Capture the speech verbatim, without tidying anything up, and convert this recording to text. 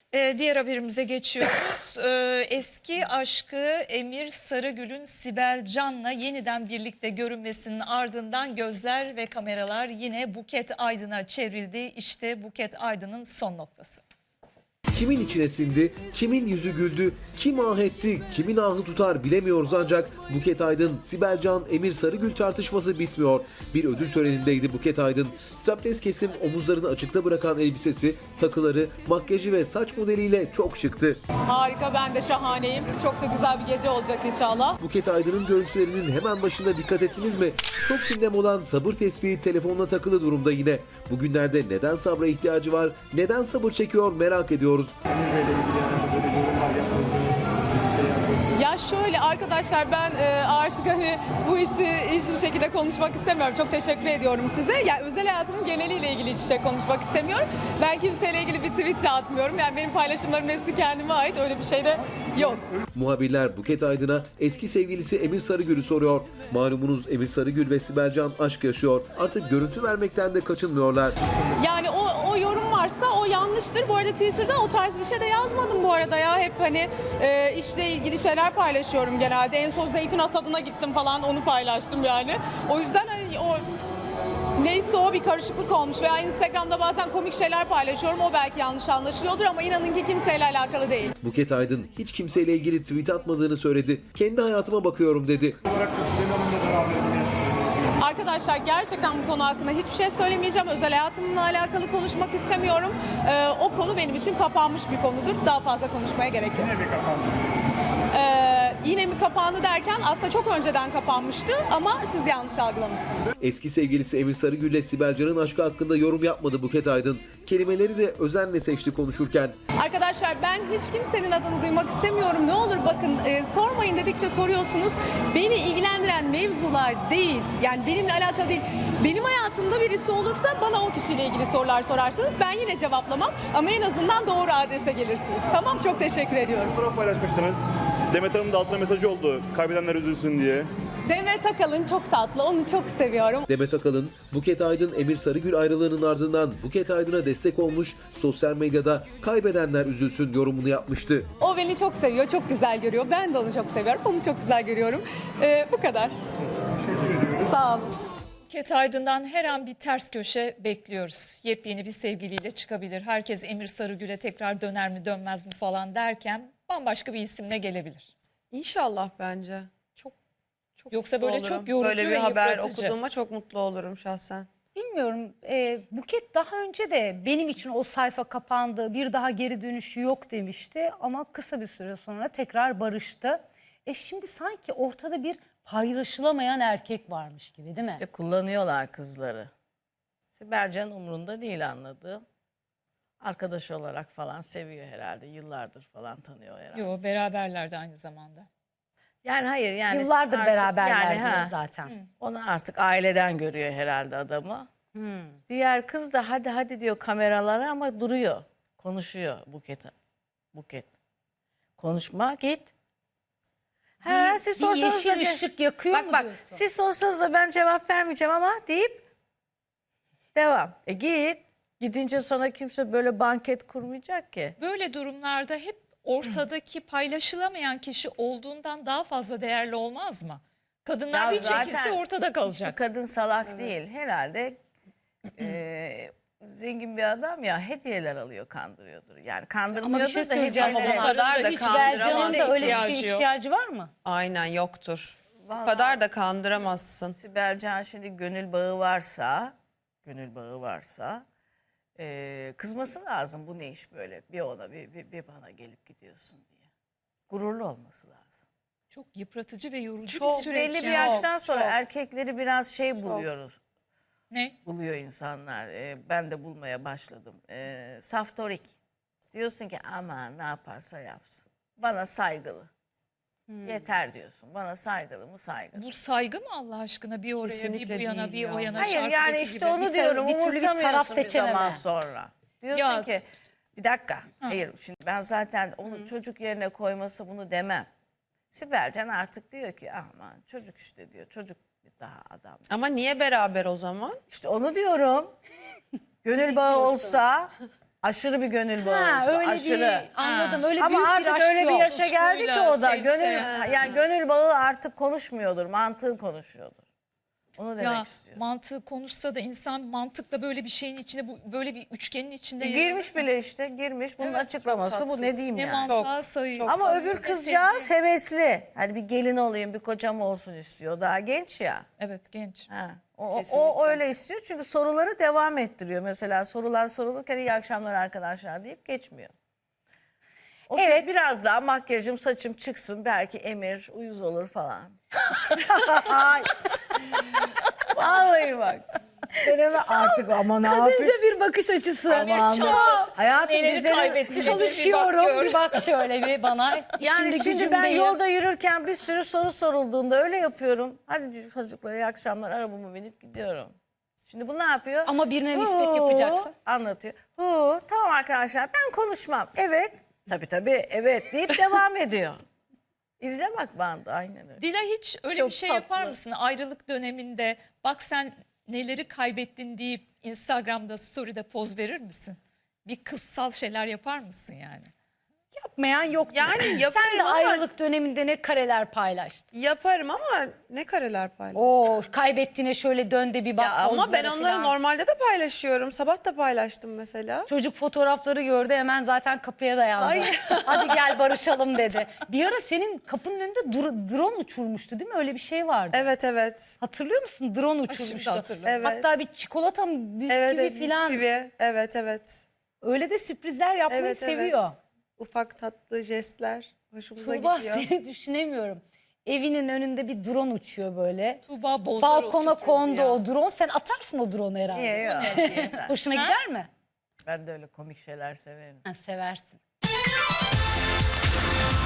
Ee, diğer haberimize geçiyoruz. Ee, eski aşkı Emir Sarıgül'ün Sibel Can'la yeniden birlikte görünmesinin ardından gözler ve kameralar yine Buket Aydın'a çevrildi. İşte Buket Aydın'ın son noktası. Kimin içine sindi, kimin yüzü güldü, kim ah etti, kimin ahı tutar bilemiyoruz ancak Buket Aydın, Sibel Can, Emir Sarıgül tartışması bitmiyor. Bir ödül törenindeydi Buket Aydın. Strapless kesim omuzlarını açıkta bırakan elbisesi, takıları, makyajı ve saç modeliyle çok şıktı. Harika, ben de şahaneyim. Çok da güzel bir gece olacak inşallah. Buket Aydın'ın görüntülerinin hemen başında dikkat ettiniz mi? Çok gündem olan sabır tespihi telefonla takılı durumda yine. Bugünlerde neden sabra ihtiyacı var, neden sabır çekiyor merak ediyoruz. Ya şöyle arkadaşlar, ben e, artık hani bu işi hiçbir şekilde konuşmak istemiyorum. Çok teşekkür ediyorum size. Yani özel hayatımın geneliyle ilgili hiçbir şey konuşmak istemiyorum. Ben kimseyle ilgili bir tweet de atmıyorum. Yani benim paylaşımlarım hepsi kendime ait. Öyle bir şey de yok. Muhabirler Buket Aydın'a eski sevgilisi Emir Sarıgül'ü soruyor. Malumunuz Emir Sarıgül ve Sibel Can aşk yaşıyor. Artık görüntü vermekten de kaçınmıyorlar. Yani o, o yorum varsa o yanlıştır. Bu arada Twitter'da o tarz bir şey de yazmadım bu arada ya. Hep hani e, işle ilgili şeyler paylaşıyorum genelde. En son zeytin hasadına gittim falan, onu paylaştım yani. O yüzden hani o neyse o bir karışıklık olmuş veya Instagram'da bazen komik şeyler paylaşıyorum. O belki yanlış anlaşılıyordur ama inanın ki kimseyle alakalı değil. Buket Aydın hiç kimseyle ilgili tweet atmadığını söyledi. Kendi hayatıma bakıyorum dedi. Arkadaşlar gerçekten bu konu hakkında hiçbir şey söylemeyeceğim. Özel hayatımla alakalı konuşmak istemiyorum. Ee, o konu benim için kapanmış bir konudur. Daha fazla konuşmaya gerek yok. Yine mi kapandı? Ee, yine mi kapandı derken aslında çok önceden kapanmıştı ama siz yanlış algılamışsınız. Eski sevgilisi Emir Sarıgül ile Sibel Can'ın aşkı hakkında yorum yapmadı Buket Aydın. Kelimeleri de özenle seçti konuşurken. Arkadaşlar ben hiç kimsenin adını duymak istemiyorum. Ne olur bakın e, sormayın dedikçe soruyorsunuz. Beni ilgilendiren mevzular değil. Yani benimle alakalı değil. Benim hayatımda birisi olursa bana o kişiyle ilgili sorular sorarsanız ben yine cevaplamam. Ama en azından doğru adrese gelirsiniz. Tamam, çok teşekkür ediyorum. Fotoğraf paylaşmıştınız. Demet Hanım da altına mesajı oldu. Kaybedenler üzülsün diye. Demet Akalın çok tatlı. Onu çok seviyorum. Demet Akalın, Buket Aydın Emir Sarıgül ayrılığının ardından Buket Aydın'a destek olmuş, sosyal medyada kaybedenler üzülsün yorumunu yapmıştı. O beni çok seviyor. Çok güzel görüyor. Ben de onu çok seviyorum. Onu çok güzel görüyorum. Ee, bu kadar. Sağ olun. Buket Aydın'dan her an bir ters köşe bekliyoruz. Yepyeni bir sevgiliyle çıkabilir. Herkes Emir Sarıgül'e tekrar döner mi dönmez mi falan derken bambaşka bir isimle gelebilir. İnşallah bence. Çok çok Yoksa mutlu böyle olurum. çok yorucu Böyle bir ve haber yıpratıcı. okuduğuma çok mutlu olurum şahsen. Bilmiyorum. E, Buket daha önce de benim için o sayfa kapandı, bir daha geri dönüşü yok demişti. Ama kısa bir süre sonra tekrar barıştı. E şimdi sanki ortada bir paylaşılamayan erkek varmış gibi, değil mi? İşte kullanıyorlar kızları. Sibel Can umurunda değil anladığım. Arkadaş olarak falan seviyor herhalde. Yıllardır falan tanıyor herhalde. Yo, beraberlerdi aynı zamanda. Yani hayır yani. Yıllardır artık beraberler yani, diyor ha, zaten. Onu artık aileden görüyor herhalde adamı. Hmm. Diğer kız da hadi hadi diyor kameralara ama duruyor. Konuşuyor Buket. Buket. Konuşma git. Ha, Bir- siz bir sorsanız da yeşil ce- ışık yakıyor bak, mu bak, diyorsun? Siz sorsanız da ben cevap vermeyeceğim ama deyip devam. E git. Gidince sana kimse böyle banket kurmayacak ki. Böyle durumlarda hep ortadaki paylaşılamayan kişi olduğundan daha fazla değerli olmaz mı? Kadınlar Ya bir zaten çekilse ortada Hiçbir kalacak. kadın salak değil. Herhalde e, zengin bir adam ya hediyeler alıyor, kandırıyordur. Yani kandırmıyordur Ama bir şey da söyleyeceğim. hediyeler. Ama O kadar da hiç Belcan'ın Kandıramaz. da öyle bir ihtiyacı şeye yok. ihtiyacı var mı? Aynen yoktur. O Vallahi- kadar da kandıramazsın. Sibel Can şimdi gönül bağı varsa, gönül bağı varsa e, kızması lazım. Bu ne iş böyle? Bir ona bir, bir, bir bana gelip gidiyorsun diye. Gururlu olması lazım. Çok yıpratıcı ve yorucu Çok bir süreç. belli bir ya. yaştan sonra çok. erkekleri biraz şey buluyoruz. Ne? Buluyor insanlar. Ee, ben de bulmaya başladım. Ee, saftorik. Diyorsun ki aman ne yaparsa yapsın. Bana saygılı. Yeter diyorsun. Bana saygılı mı saygılı. Bu saygı mı Allah aşkına? Bir oraya, Kesinlikle bir bu yana, değil bir o ya. yana. Hayır şarkıdaki yani işte gibi. onu Bir diyorum. türlü bir taraf Umursamıyorsun bir seçememe. zaman sonra. Diyorsun Ya- ki bir dakika. Hayır şimdi ben zaten onu çocuk yerine koyması bunu demem. Sibel Can artık diyor ki aman çocuk işte diyor. Çocuk daha adam. Ama niye beraber o zaman? İşte onu diyorum. Gönül bağı olsa aşırı bir gönül bağı Ha, olsa, öyle aşırı. bir anladım. Öyle Ama büyük artık bir aşk öyle bir yok. yaşa geldi ki Tutkuyla, o da sevse. gönül yani gönül bağı artık konuşmuyordur, mantığı konuşuyordur. Onu demek Ya istiyorum. mantığı konuşsa da insan mantıkla böyle bir şeyin içinde, bu böyle bir üçgenin içinde yer Girmiş bile işte, girmiş. Bunun Evet, açıklaması çok bu, ne tatsız. diyeyim ne yani. mantığa sayıyor. Ama sayıyor. öbür kızcağız hevesli. Hani bir gelin olayım, bir kocam olsun istiyor. Daha genç ya. Evet, genç. Ha, o, o, o öyle istiyor çünkü soruları devam ettiriyor. Mesela sorular sorulurken iyi akşamlar arkadaşlar deyip geçmiyor. O Evet. biraz daha makyajım, saçım çıksın, belki emir, uyuz olur falan. Vallahi bak. Deneme artık ama ne yapayım? Kadınca bir bakış açısı. Aman Çok. hayatım Neleri güzeli- kaybettin? Çalışıyorum. Bir bak şöyle bir bana. Yani İşimde şimdi ben gücümdeyim. yolda yürürken bir sürü soru sorulduğunda öyle yapıyorum. Hadi çocuklar iyi akşamlar, arabamı binip gidiyorum. Şimdi bu ne yapıyor? Ama birine nispet Huu, yapacaksın. Anlatıyor. Huu, tamam arkadaşlar ben konuşmam. Evet. Tabii tabii evet deyip devam ediyor. İzle bak bandı aynen öyle. Dila, hiç öyle Çok bir şey tatlı. yapar mısın ayrılık döneminde? Bak sen neleri kaybettin deyip Instagram'da story'de poz verir misin? Bir kızsal şeyler yapar mısın yani? Yapmayan yok. Yani Sen yaparım de ama- ayrılık döneminde ne kareler paylaştın. Yaparım ama ne kareler paylaşıyorum. Oo, kaybettiğine şöyle dön de bir bak. Ya ama ben pozlara onları falan. normalde de paylaşıyorum. Sabah da paylaştım mesela. Çocuk fotoğrafları gördü, hemen zaten kapıya dayandı. Hadi gel barışalım dedi. Bir ara senin kapının önünde dur- drone uçurmuştu değil mi? Öyle bir şey vardı. Evet evet. Hatırlıyor musun? Drone uçurmuştu. hatırladım. Evet. Hatta bir çikolata mı, bisküvi Evet, evet falan. bisküvi. Evet evet. Öyle de sürprizler yapmayı Evet seviyor. evet. Ufak tatlı jestler hoşumuza Tuğba, gidiyor. seni düşünemiyorum. Evinin önünde bir drone uçuyor böyle. Tuğba bozar o Balkona sürprizi kondu ya. o drone. Sen atarsın o drone'u herhalde. Niye ya? Güzel. Hoşuna gider mi? Ben de öyle komik şeyler severim. Ha, seversin.